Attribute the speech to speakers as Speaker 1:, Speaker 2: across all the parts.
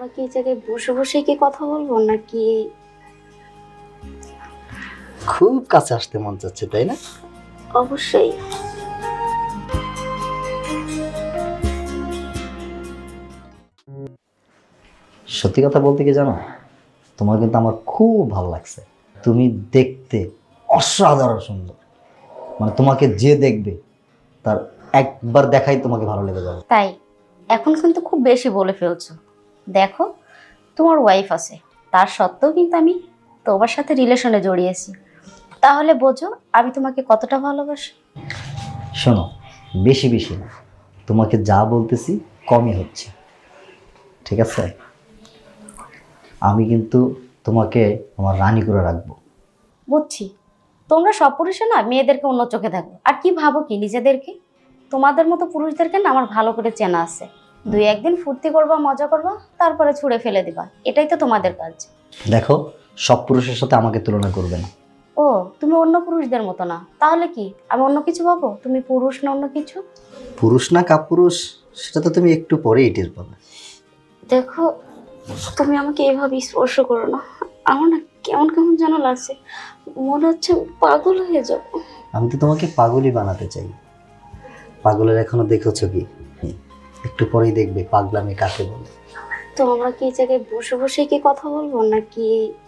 Speaker 1: আমরা কি এই জায়গায় বসে বসে কি কথা বলবো নাকি?
Speaker 2: খুব কাছে আসতে মন চাচ্ছে, তাই না?
Speaker 1: অবশ্যই।
Speaker 2: সত্যি কথা বলতে কি জানো, তোমার কিন্তু আমার খুব ভালো লাগছে। তুমি দেখতে অসাধারণ সুন্দর, মানে তোমাকে যে দেখবে তার একবার দেখাই তোমাকে ভালো লেগে যাবে।
Speaker 1: তাই এখন কিন্তু খুব বেশি বলে ফেলছো। দেখো, তোমার ওয়াইফ আছে, তার সত্ত্বেও কিন্তু আমি তোমার সাথে রিলেশনে জড়িয়েছি। তাহলে বোঝো আমি তোমাকে কতটা ভালোবাসি।
Speaker 2: শোনো, বেশি বেশি না, তোমাকে যা বলতেছি কমই হচ্ছে, ঠিক আছে? আমি কিন্তু তোমাকে আমার রানী করে রাখবো।
Speaker 1: বুঝছি, তোমরা সব পুরুষে না মেয়েদেরকে অন্য চোখে দেখো, আর কি ভাবো কি নিজেদেরকে। তোমাদের মতো পুরুষদেরকে না আমার ভালো করে চেনা আছে। দুই একদিন ফুর্তি করবা, মজা করবা, তারপরে ছুঁড়ে ফেলে দিবা, এটাই তো তোমাদের কাজ।
Speaker 2: দেখো, সব পুরুষের সাথে আমাকে তুলনা করবে না।
Speaker 1: ও, তুমি অন্য পুরুষদের মতো না, তাহলে কি আমি অন্য কিছু ভাবো? তুমি পুরুষ না অন্য কিছু?
Speaker 2: পুরুষ না কাপুরুষ সেটা তো তুমি একটু পরেই টের পাবে।
Speaker 1: দেখো, তুমি আমাকে এভাবে স্পর্শ করো না, আমার না কেমন কেমন যেন লাগছে, মনে হচ্ছে আমি পাগল হয়ে যাব।
Speaker 2: আমি তো তোমাকে পাগলই বানাতে চাই। পাগলের এখনো দেখেছো কি? একটু পরেই দেখবে পাগলামি কাকে বলে।
Speaker 1: তো আমরা কি এই জায়গায় বসে বসে কি কথা বলবো নাকি?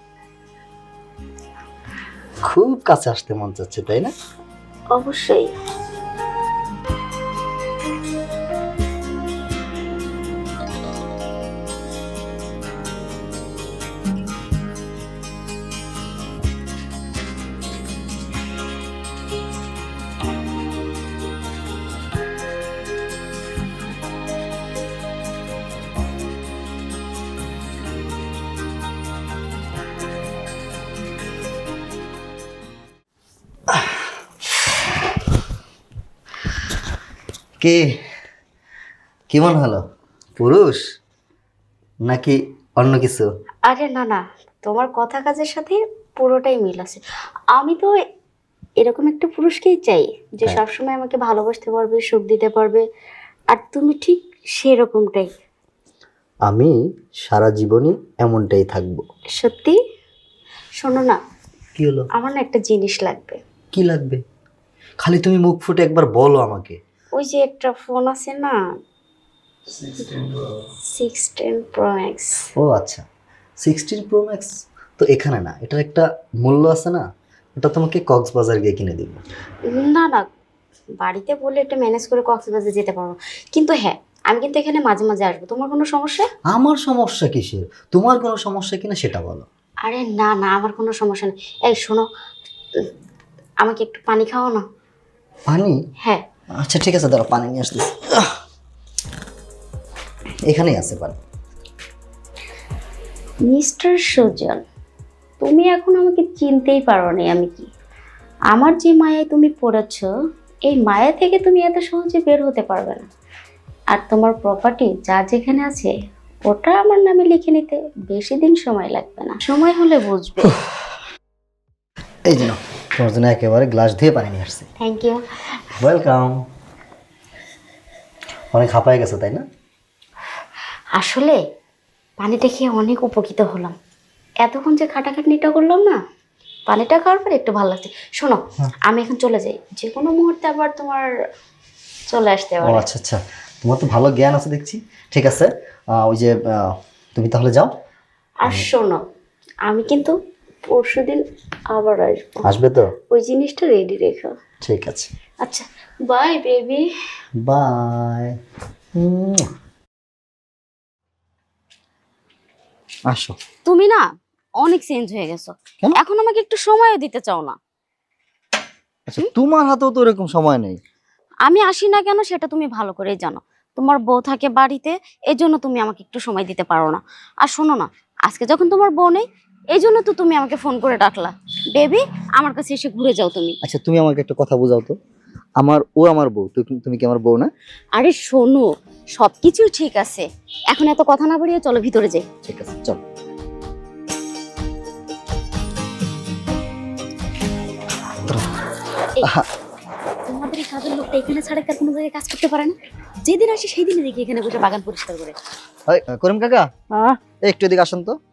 Speaker 2: খুব কাছে আসতে মন চাচ্ছে, তাই না?
Speaker 1: অবশ্যই।
Speaker 2: কে কি মনে হলো, পুরুষ নাকি অন্য কিছু?
Speaker 1: আরে না না, তোমার কথা কাজের সাথে পুরোটাই মিল আছে। আমি তো এরকম একটা পুরুষকেই চাই যে
Speaker 2: হ্যাঁ।
Speaker 1: সবসময় আমাকে ভালোবাসতে পারবে, সুখ দিতে পারবে। আর তুমি ঠিক সেরকমটাই।
Speaker 2: আমি সারা জীবনই এমনটাই থাকবো।
Speaker 1: সত্যি? শোনো না,
Speaker 2: কি হলো?
Speaker 1: আমার না একটা জিনিস লাগবে।
Speaker 2: কি লাগবে? খালি তুমি মুখ ফুটে একবার বলো আমাকে।
Speaker 1: ওই যে একটা ফোন আছে না, 16 Pro Max।
Speaker 2: ও আচ্ছা, 16 Pro Max তো এখানে না, এটার একটা মূল্য আছে না, ওটা তোমাকে কক্সবাজার গিয়ে কিনে দিব।
Speaker 1: না না, বাড়িতে বলে এটা ম্যানেজ করে কক্সবাজার যেতে পারবো, কিন্তু হ্যাঁ আমি কিন্তু এখানে মাঝে মাঝে আসবো। তোমার কোনো সমস্যা?
Speaker 2: আমার সমস্যা কিসের? তোমার কোনো সমস্যা কিনা সেটা বলো।
Speaker 1: আরে না না, আমার কোনো সমস্যা নেই। এই শোনো, উম, আমাকে একটু পানি খাওয়া না।
Speaker 2: পানি?
Speaker 1: হ্যাঁ।
Speaker 2: আচ্ছা ঠিক আছে, দাঁড়া পানি নিয়ে আসতেছি। এখানেই আছে পানি।
Speaker 1: মিস্টার সুজন, তুমি এখন আমাকে চিনতেই পারো না আমি কি। আমার যে মায়ায় তুমি পড়েছ, এই মায়া থেকে তুমি এত সহজে বের হতে পারবে না। আর তোমার প্রপার্টি যা যেখানে আছে ওটা আমার নামে লিখে নিতে বেশি দিন সময় লাগবে না, সময় হলে বুঝবে।
Speaker 2: এই যে নাও, তোমার জন্য একেবারে গ্লাস দিয়ে পানি নিয়ে আসছি।
Speaker 1: Thank you.
Speaker 2: ওয়েলকাম। অনেক হাঁপায় গেছে তাই না?
Speaker 1: আসলে পানিটা খেয়ে অনেক উপকৃত হলাম। এতক্ষণ যে খাটাখাটনিটা করলাম না, পানিটা খাওয়ার পর একটু ভালো লাগছে। শোনো, আমি এখন চলে যাই, যে কোনো মুহূর্তে আবার তোমার চলে আসতে
Speaker 2: ও
Speaker 1: পারে।
Speaker 2: আচ্ছা আচ্ছা, তোমার তো ভালো জ্ঞান আছে দেখছি। ঠিক আছে, ওই যে তুমি তাহলে যাও।
Speaker 1: আর শোনো, আমি কিন্তু পরশুদিন আবার আসবো।
Speaker 2: আসবে তো?
Speaker 1: ওই জিনিসটা রেডি রেখো।
Speaker 2: ঠিক আছে,
Speaker 1: আচ্ছা, বাই বেবি।
Speaker 2: বাই। আসো।
Speaker 1: তুমি না অনেক চেঞ্জ হয়ে গেছো,
Speaker 2: কেন?
Speaker 1: এখন আমাকে একটু সময়ও দিতে চাও না।
Speaker 2: আচ্ছা, তোমার হাতেও তো এরকম সময় নেই।
Speaker 1: আমি আসি না কেন সেটা তুমি ভালো করেই জানো। তোমার বউ থাকে বাড়িতে, এই জন্য তুমি আমাকে একটু সময় দিতে পারো না। আর শোনো না, আজকে যখন তোমার বউ নেই, এই জন্য তো তুমি আমাকে ফোন করে ডাকলা। বেবি, আমার কাছে এসে ঘুরে যাও তুমি।
Speaker 2: আচ্ছা, তুমি আমাকে একটা কথা বোঝাও তো, আমার বউ, তুমি কি আমার বউ না?
Speaker 1: আরে শোনো, সবকিছু ঠিক আছে, এখন এত কথা না বাড়িয়ে চলো ভিতরে যাই।
Speaker 2: ঠিক আছে, চল।
Speaker 1: এই, তোমাদের এই কাজের লোকটা এখানে ছাড়া তার কোনো জায়গায় কাজ করতে পারে না। যেদিন আসে সেই দিনই দেখি এখানে বসে বাগান পরিষ্কার করে।
Speaker 2: করিম কাকা একটু এদিকে আসুন তো।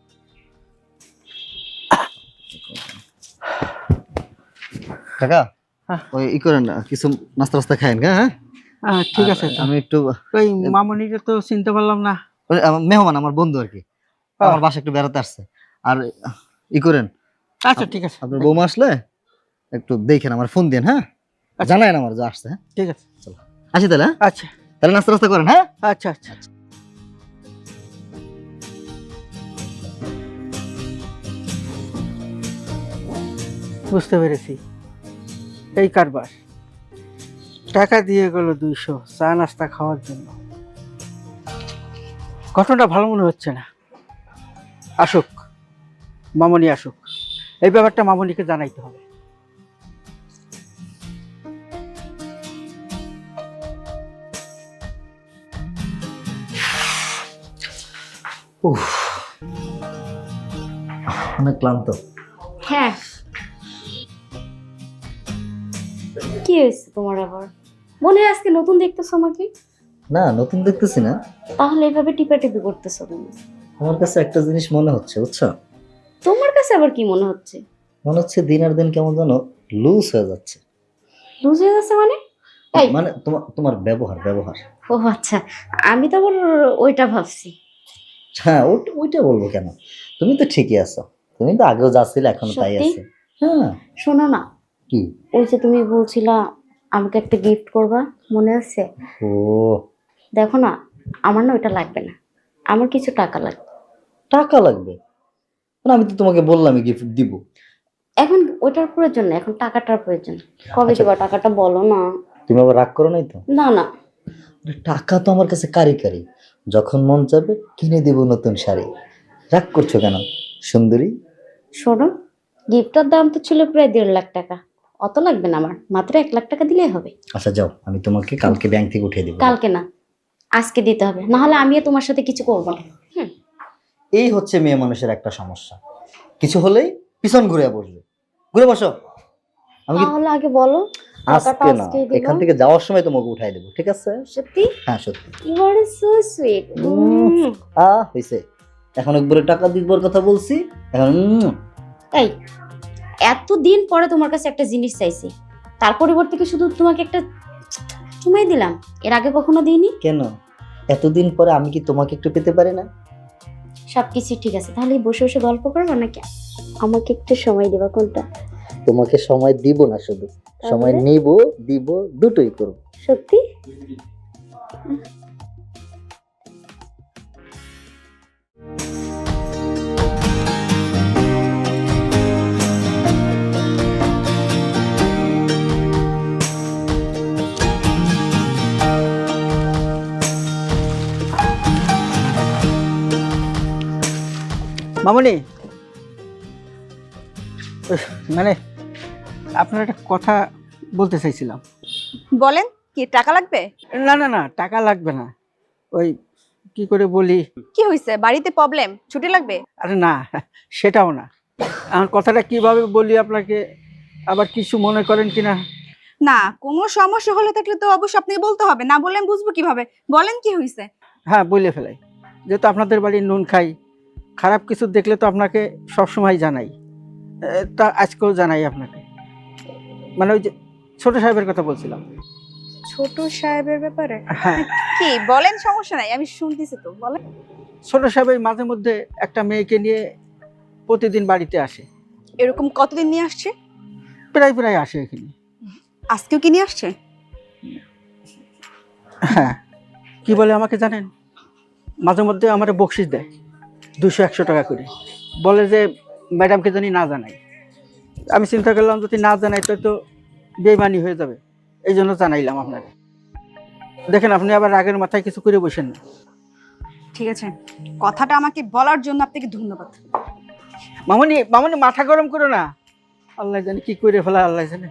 Speaker 2: কাকা ওই করেন কিছু নাস্তা রাস্তা খায়েন। হ্যাঁ
Speaker 3: ঠিক আছে,
Speaker 2: আমি একটু
Speaker 3: ওই মামনিকে তো চিনতে পারলাম না।
Speaker 2: মেহমান আমার বন্ধু আর কি, আমার বাসা একটু বেড়াতে আসছে। আর করেন,
Speaker 3: আচ্ছা ঠিক আছে,
Speaker 2: আপনার বৌমা আসলে একটু দেখেন, আমার ফোন দেন। হ্যাঁ জানাই আমার যা আসছে। হ্যাঁ
Speaker 3: ঠিক আছে,
Speaker 2: চলো আসি তাহলে।
Speaker 3: আচ্ছা
Speaker 2: তাহলে নাস্তা রাস্তা করেন। হ্যাঁ
Speaker 3: আচ্ছা আচ্ছা। বুঝতে পেরেছি, এই কারবার। টাকা দিয়ে গেল 200 চা নাস্তা খাওয়ার জন্য। ঘটনাটা ভালো মনে হচ্ছে না। আসুক, মামনি আসুক, এই ব্যাপারটা মামনিকে জানাইতে হবে।
Speaker 2: অনেক ক্লান্ত।
Speaker 1: হ্যাঁ, কি হয়েছে তোমার আবার? মনে হয় আজকে নতুন দেখতেছো আমাকে?
Speaker 2: না নতুন দেখতেছি না।
Speaker 1: তাহলে এভাবে টিপাটিপি করতেছো তুমি?
Speaker 2: আমার কাছে একটা জিনিস মনে হচ্ছে, বুঝছো?
Speaker 1: তোমার কাছে আবার কি মনে হচ্ছে?
Speaker 2: মনে হচ্ছে দিন আর দিন কেমন যেন লুজ হয়ে যাচ্ছে।
Speaker 1: লুজ হয়ে যাচ্ছে মানে? এই
Speaker 2: মানে তোমার তোমার ব্যবহার।
Speaker 1: ও আচ্ছা, আমি তো আবার ওইটা ভাবছি।
Speaker 2: হ্যাঁ ওইটা বলবো কেন? তুমি তো ঠিকই আছো, তুমি তো আগেও যা ছিলে এখনো তাই
Speaker 1: সত্যি?
Speaker 2: আছে। হ্যাঁ
Speaker 1: শোনো না,
Speaker 2: কি?
Speaker 1: ওই যে তুমি বলছিলা আমাকে একটা গিফট করবা, মনে আছে?
Speaker 2: ও
Speaker 1: দেখো না, আমার না ওইটা লাগবে না, আমার কিছু টাকা লাগবে।
Speaker 2: টাকা লাগবে? না আমি তো তোমাকে বললামই গিফট দিব।
Speaker 1: এখন ওইটার প্রয়োজন না, এখন টাকাটার প্রয়োজন। কবে
Speaker 2: আচ্ছা।
Speaker 1: দিবা টাকাটা বলো না।
Speaker 2: তুমি আবার রাগ করো নাই তো?
Speaker 1: না না,
Speaker 2: আরে টাকা তো আমার কাছে কারি কারি, যখন মন যাবে কিনে দেব নতুন শাড়ি। রাগ করছো কেন সুন্দরী?
Speaker 1: শোনো, গিফটটার দাম তো ছিল প্রায় 1.5 লাখ টাকা। অত লাগবে না আমার, মাত্র 1 লাখ টাকা দিলেই হবে।
Speaker 2: আচ্ছা যাও, আমি তোমাকে কালকে ব্যাংক থেকে উঠিয়ে দেবো।
Speaker 1: কালকে না, আজকে দিতে হবে, না হলে আমিও তোমার সাথে কিছু করবো না।
Speaker 2: এই হচ্ছে মেয়ে মানুষের একটা সমস্যা, কিছু হলেই পিছন ঘুরে বসবে। ঘুরে বসো। আমি কি
Speaker 1: তাহলে আগে বলো টাকাটা
Speaker 2: আজকে না,
Speaker 1: আজকেই দিবা?
Speaker 2: এখান থেকে যাওয়ার সময় তোমাকে উঠাই দেবো, ঠিক আছে?
Speaker 1: সত্যি?
Speaker 2: হ্যাঁ সত্যি।
Speaker 1: You are so sweet.
Speaker 2: হইছে, এখন একবারে টাকা দিবার কথা বলছি এখন।
Speaker 1: এই এতদিন পরে তোমার কাছে একটা জিনিস চাইছি, তার পরিবর্তে কি শুধু তোমাকে একটা চুমাই দিলাম? এর আগে কখনো দিইনি।
Speaker 2: কেন এতদিন পরে আমি কি তোমাকে একটু পেতে পারি না?
Speaker 1: সবকিছু ঠিক আছে, তাহলে বসে বসে গল্প করবো নাকি আমাকে একটু সময় দেবা? কোনটা?
Speaker 2: তোমাকে সময় দিব না, শুধু সময় নিব দিব, দুটোই করব।
Speaker 1: সত্যি?
Speaker 3: মামনি, মানে আপনার একটা কথা বলতে চাইছিলাম।
Speaker 4: বলেন, কি টাকা লাগবে?
Speaker 3: না না না, টাকা লাগবে না। ওই কি করে বলি,
Speaker 4: কি হয়েছে? বাড়িতে প্রবলেম? ছুটি লাগবে?
Speaker 3: আরে না, সেটাও না। আমার কথাটা কিভাবে বলি আপনাকে, আবার কিছু মনে করেন কিনা।
Speaker 4: না, কোনো সমস্যা হলে থাকলে তো অবশ্যই আপনাকে বলতে হবে, না বললে আমি বুঝবো কিভাবে? বলেন কি হয়েছে?
Speaker 3: হ্যাঁ বলে ফেলাই, যেহেতু আপনাদের বাড়ির নুন খাই, খারাপ কিছু দেখলে তো আপনাকে সবসময় জানাই। তা আজকেও জানাই আপনাকে। মানে ওই যে ছোট সাহেবের কথা বলছিলাম।
Speaker 4: ছোট সাহেবের ব্যাপারে?
Speaker 3: হ্যাঁ,
Speaker 4: কি বলেন? সমস্যা নাই, আমি শুনতেছি তো, বলেন।
Speaker 3: ছোট সাহেব এই মাঝে মধ্যে একটা মেয়েকে নিয়ে প্রতিদিন বাড়িতে আসে।
Speaker 4: এরকম কতদিন নিয়ে আসছে?
Speaker 3: প্রায় প্রায় আসে এখানে।
Speaker 4: আজকেও কি নিয়ে আসছে?
Speaker 3: হ্যাঁ, কি বলে আমাকে জানেন? মাঝে মধ্যে আমার বকশিস দেয় 200-100 টাকা করে, বলে যে ম্যাডামকে জানি না জানাই। আমি চিন্তা করলাম যদি না জানাই তো বেইমানি হয়ে যাবে, এই জন্য জানাইলাম আপনাকে। দেখেন আপনি আবার রাগের মাথায় কিছু করে বসেন না।
Speaker 4: ঠিক আছে, কথাটা আমাকে বলার জন্য আপনাকে ধন্যবাদ।
Speaker 3: মামনি মামনি, মাথা গরম করো না, আল্লাহ জানে কি করে ফেলা, আল্লাহ জানে।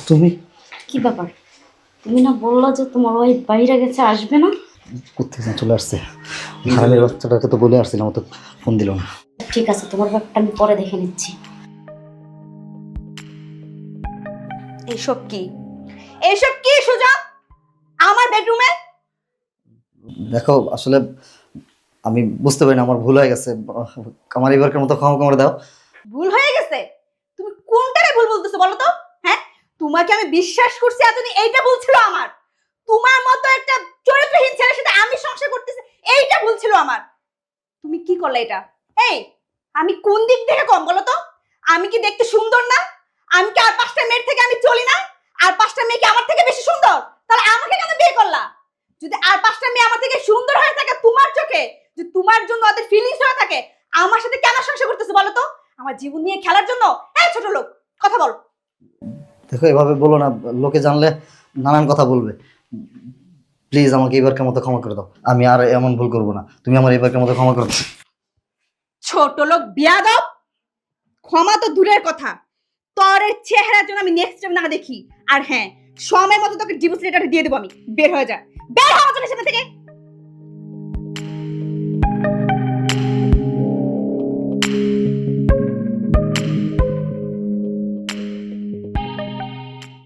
Speaker 2: তুমি
Speaker 1: কি ব্যাপার? তুমি না বললা যে তোমার ওয়াইফ বাইরে গেছে, আসবে না?
Speaker 2: কোথেকে যেন চলে আসছে। হারামের বাচ্চাটাকে তো বলে আসছিলাম, ও তো ফোন দিল না।
Speaker 1: ঠিক আছে, তোমার ব্যাপারটা আমি পরে দেখে নিচ্ছি।
Speaker 4: এইসব কি, এইসব কি সুযোগ আমার বেডরুমে?
Speaker 2: দেখো আসলে আমি বুঝতে পারি না, আমার ভুল হয়ে গেছে। আমার এবারকার মতো ক্ষমা করে দাও।
Speaker 4: ভুল হয়ে গেছে? তুমি কোনটারে ভুল বলতেছো বলো তো? হ্যাঁ, তোমাকে আমি বিশ্বাস করছি এতদিন, এইটা ভুল ছিল আমার। তোমার মতো একটা চরিত্রহীন ছেলের সাথে আমি সংসার করতেছি, এইটা ভুল ছিল আমার। তুমি কি করলে এটা? এই, আমি কোন দিক থেকে কম বলো তো? আমি কি দেখতে সুন্দর না? আমি কি আর 5টা মেয়ের থেকে আমি চলি না? আর 5টা মেয়ে কি আমার থেকে বেশি সুন্দর? তাহলে আমাকে কেন বিয়ে করলা? যদি আর 5টা মেয়ে আমার থেকে সুন্দর হয়ে থাকে তোমার চোখে, যে তোমার জন্য ওদের ফিলিংস হয়ে থাকে, আমার সাথে কেন সংসার করতেছো বলো তো? আমার জীবন নিয়ে খেলার জন্য? এই ছোট লোক, কথা বল।
Speaker 2: দেখো এভাবে বলো না, লোকে জানলে নানান কথা বলবে। প্লিজ আমাকে এবারকার মতো ক্ষমা করে দাও, আমি আর এমন ভুল করবো না। তুমি আমার এবারকার মতো ক্ষমা করে দাও।
Speaker 4: ছোট লোক বিয়াদব, ক্ষমা তো দূরের কথা, তোর এই চেহারার জন্য আমি নেক্সট টাইম না দেখি। আর হ্যাঁ, সময় মতো তোকে ডিভোর্স লেটার দিয়ে দেবো আমি। বের হয়ে যা, বের হওয়ার জন্য সেখান থেকে।